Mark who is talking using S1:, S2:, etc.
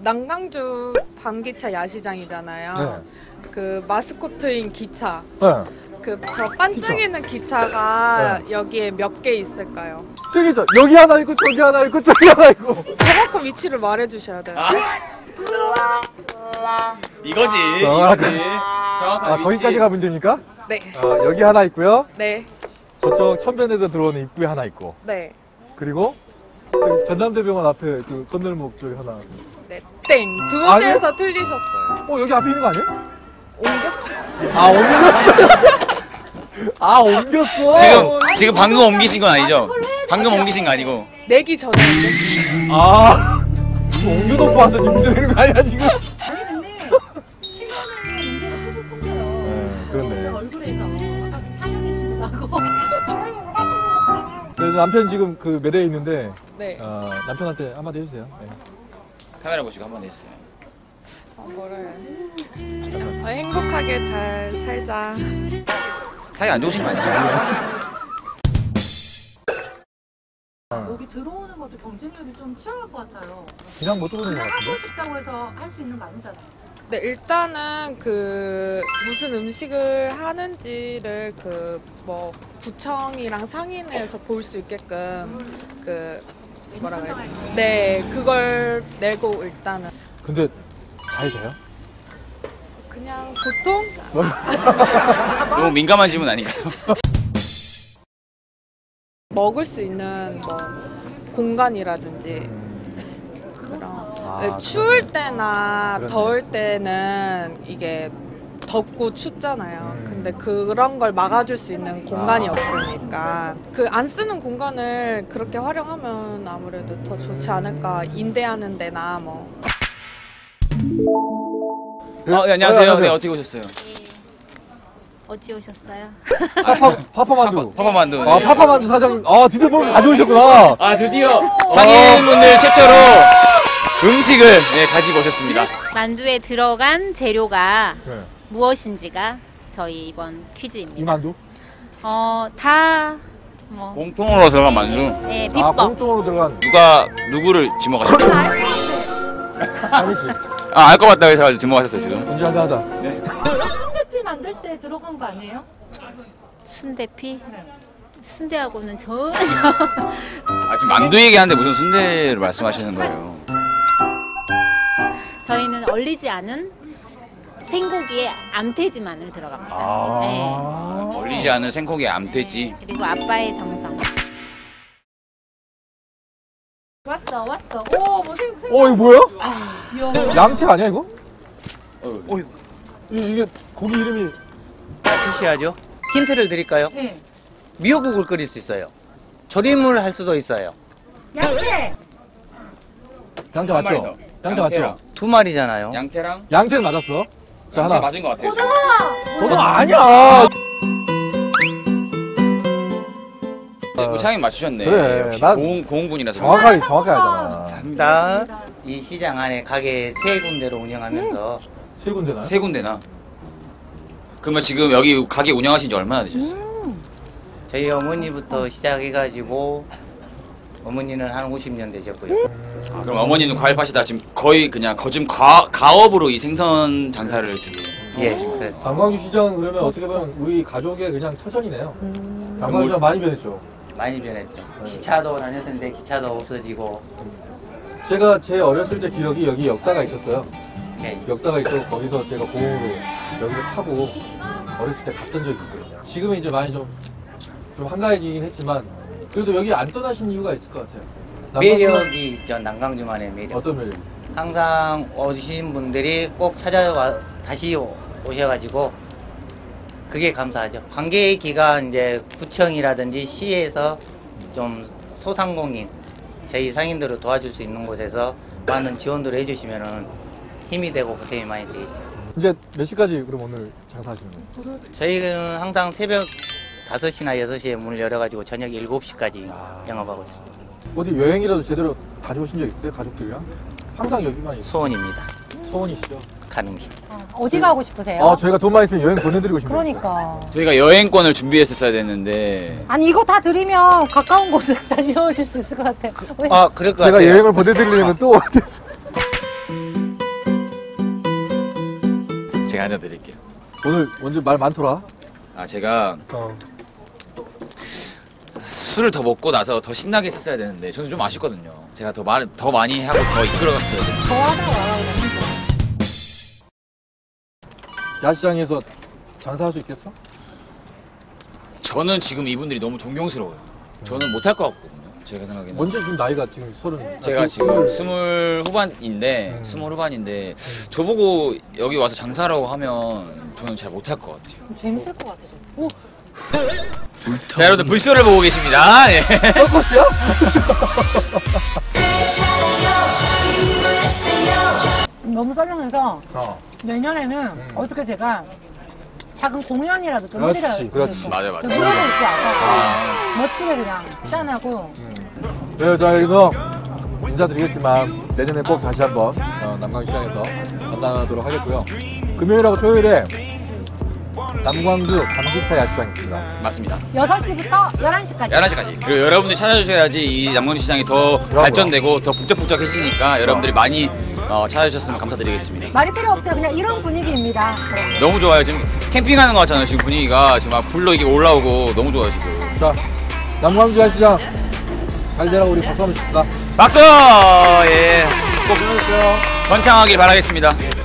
S1: 남강주 밤기차 야시장이잖아요.
S2: 네.
S1: 그 마스코트인 기차.
S2: 네.
S1: 그 저 반짝이는 기차가
S2: 네.
S1: 여기에 몇 개 있을까요?
S2: 저기 여기 하나 있고 저기 하나 있고 저기 하나 있고.
S1: 정확한 위치를 말해주셔야 돼요.
S3: 이거지.
S2: 정확한
S3: 정확한
S2: 거기까지 가면 됩니까?
S1: 네.
S2: 여기 하나 있고요.
S1: 네.
S2: 저쪽 천변에서 들어오는 입구에 하나 있고.
S1: 네.
S2: 그리고 저기 전남대병원 앞에 그 건널목 쪽에 하나.
S1: 네. 땡. 두 문제에서 틀리셨어요.
S2: 여기 앞에 있는 거 아니에요?
S1: 옮겼어요.
S2: 옮겼어.
S3: 지금 방금 옮기신 건 아니죠? 방금 옮기신 거 아니고.
S1: 내기 전에 옮겼어요.
S2: 옮겨놓고 와서 지금 문제 되는 거 아니야 지금?
S4: 아니 근데 신호는 문제가 계속 생겨요.
S2: 네, 그렇네.
S4: 얼굴에서 사연이 신고하고.
S2: 그래서 남편 지금 그 매대에 있는데
S1: 네.
S2: 남편한테 한마디 해주세요. 네.
S3: 카메라 보시고 한번 해주세요.
S1: 뭐라 해요? 행복하게 잘 살자.
S3: 사이 안 좋으신 거 아니죠?
S4: 여기 들어오는 것도 경쟁력이 좀 치열할 것 같아요.
S2: 그냥 못 들어오는 거
S4: 그냥
S2: 같은데?
S4: 하고 싶다고 해서 할 수 있는 거 아니잖아요.
S1: 네, 일단은 그 무슨 음식을 하는지를 그 뭐 구청이랑 상인회에서 볼 수 있게끔 그 뭐라고 해야 되나? 네, 그걸 내고 일단은
S2: 근데 잘 돼요?
S1: 그냥 보통
S3: 너무 민감한 질문 아닌가요?
S1: 먹을 수 있는 뭐 공간이라든지 그런 네, 추울 때나
S2: 그러네.
S1: 더울 때는 이게 덥고 춥잖아요. 근데 그런 걸 막아줄 수 있는 공간이 없으니까 그 안 쓰는 공간을 그렇게 활용하면 아무래도 더 좋지 않을까. 임대하는 데나 뭐.
S3: 네, 안녕하세요. 네, 어떻게 오셨어요?
S5: 어찌 오셨어요?
S2: 파파만두.
S3: 파파만두.
S2: 아, 파파만두 사장님. 드디어 뭘 가져오셨구나.
S3: 드디어 상인분들 최초로 음식을 가지고 오셨습니다.
S5: 만두에 들어간 재료가
S2: 네.
S5: 무엇인지가 저희 이번 퀴즈입니다.
S2: 이 만두?
S5: 다 뭐,
S3: 공통으로 들어간 만두.
S5: 네, 비법.
S2: 공통으로 들어간.
S3: 누가 누구를 지목하셨죠?
S2: 아니지.
S3: 알 것 같다고 해서 지목하셨어요 지금.
S2: 이제 하자.
S4: 순대피 만들 때 들어간 거 아니에요?
S5: 순대피? 순대하고는 전혀
S3: 지금 만두 얘기하는데 무슨 순대를 말씀하시는 거예요?
S5: 저희는 얼리지 않은 생고기에 암돼지만을 들어갑니다. 네.
S3: 얼리지 않은 생고기 암돼지.
S5: 그리고 아빠의 정성.
S4: 왔어. 오, 뭐 생선.
S2: 이거 뭐야?
S4: 이야.
S2: 양태 아니야 이거?
S3: 이거.
S2: 이게 고기 이름이
S6: 맞추셔야죠. 힌트를 드릴까요?
S4: 네.
S6: 미역국을 끓일 수 있어요. 조림을 할 수도 있어요.
S4: 양태.
S2: 양태
S3: 한 마리
S2: 맞죠?
S3: 더.
S2: 양태 맞죠?
S6: 두 마리잖아요.
S3: 양태랑
S2: 양태는 맞았어. 자,
S3: 양태
S2: 하나.
S3: 맞은 것 같아요.
S2: 너도 아니야.
S3: 우리 차장님 맞추셨네.
S2: 그래,
S3: 역시
S2: 난
S3: 고흥분이라서.
S2: 정확하게 알잖아.
S6: 감사합니다. 이 시장 안에 가게 세 군데로 운영하면서
S2: 세 군데나?
S3: 세 군데나. 그러면 지금 여기 가게 운영하신 지 얼마나 되셨어요?
S6: 저희 어머니부터 시작해가지고 어머니는 한 50년 되셨고요.
S3: 그럼 어머니는 과일 파시다 지금 거의 그냥 거즘 가업으로 이 생선 장사를 지금.
S6: 예, 그랬어요.
S2: 관광주 시장 그러면 어떻게 보면 우리 가족의 그냥 터전이네요. 관광주 시장 많이 변했죠.
S6: 많이 변했죠. 기차도 다녔었는데 기차도 없어지고.
S2: 제가 제 어렸을 때 기억이 여기 역사가 있었어요.
S6: 예.
S2: 역사가 있어서 거기서 제가 공으로 여기를 타고 어렸을 때 갔던 적이 있거든요. 지금은 이제 많이 좀 한가해지긴 했지만 그래도 여기 안 떠나신 이유가 있을 것 같아요.
S6: 매력이 있죠. 남강주만의 매력.
S2: 어떤 매력이 있어요?
S6: 항상 오신 분들이 꼭 찾아와 다시 오셔가지고 그게 감사하죠. 관계 기간 이제 구청이라든지 시에서 좀 소상공인 저희 상인들을 도와줄 수 있는 곳에서 많은 지원들을 해주시면은 힘이 되고 보탬이 많이 되겠죠.
S2: 이제 몇 시까지 그럼 오늘 장사하시는 거예요?
S6: 저희는 항상 새벽 5시나 6시에 문을 열어가지고 저녁 7시까지 영업하고 있습니다.
S2: 어디 여행이라도 제대로 다녀오신 적 있어요? 가족들이랑? 항상 여기만 있어요.
S6: 소원입니다.
S2: 소원이시죠?
S6: 가는 길.
S4: 어디 가고 싶으세요?
S2: 저희가 돈만 있으면 여행 보내드리고 싶네요.
S4: 그러니까.
S3: 저희가 여행권을 준비했었어야 됐는데
S4: 아니 이거 다 드리면 가까운 곳을 다녀오실 수 있을 것 같아요.
S6: 그럴 것
S2: 제가
S6: 같아요.
S2: 여행을 보내드리려면 또
S3: 한잔 드릴게요.
S2: 오늘 완전 말 많더라.
S3: 아 제가 술을 더 먹고 나서 더 신나게 했었어야 되는데 저는 좀 아쉽거든요. 제가 더 많이 하고 더 이끌어갔어야 되는데.
S4: 더 하다 와라 그냥 혼자.
S2: 야시장에서 장사할 수 있겠어?
S3: 저는 지금 이분들이 너무 존경스러워요. 저는 못할 것 같거든요. 제가 생각에는.
S2: 먼저 지금 나이가 지금 30.
S3: 제가 지금 20 후반인데 저보고 여기 와서 장사라고 하면 저는 잘 못할 것 같아요.
S4: 재밌을 것 같아. 오,
S3: 자 여러분들 불쇼를 보고 계십니다. 예.
S4: 너무 썰렁해서 내년에는 어떻게 제가 작은 공연이라도 좀 해드려야
S2: 그렇지, 그렇지.
S3: 맞아요, 맞아요.
S4: 노래도 있고 와서 멋지게 그냥 짠하고
S2: 네, 자 여기서 인사드리겠지만 내년에 꼭 다시 한번 남광시장에서 만나도록 하겠고요. 금요일하고 토요일에 남광주 감기차 야시장 있습니다.
S3: 맞습니다.
S4: 6시부터 11시까지
S3: 11시까지. 그리고 여러분들이 찾아주셔야지 이 남광주 시장이 더 발전되고 더 북적북적해지니까 여러분들이 많이 찾아주셨으면 감사드리겠습니다.
S4: 말이 필요 없어요. 그냥 이런 분위기입니다.
S3: 너무 좋아요. 지금 캠핑하는 것 같잖아요. 지금 분위기가 지금 막 불로 이게 올라오고 너무 좋아요 지금.
S2: 자, 남광주 야시장 잘 되라고 우리 박수 한번 칩시다.
S3: 박수! 예. 꼭 번창하길 바라겠습니다.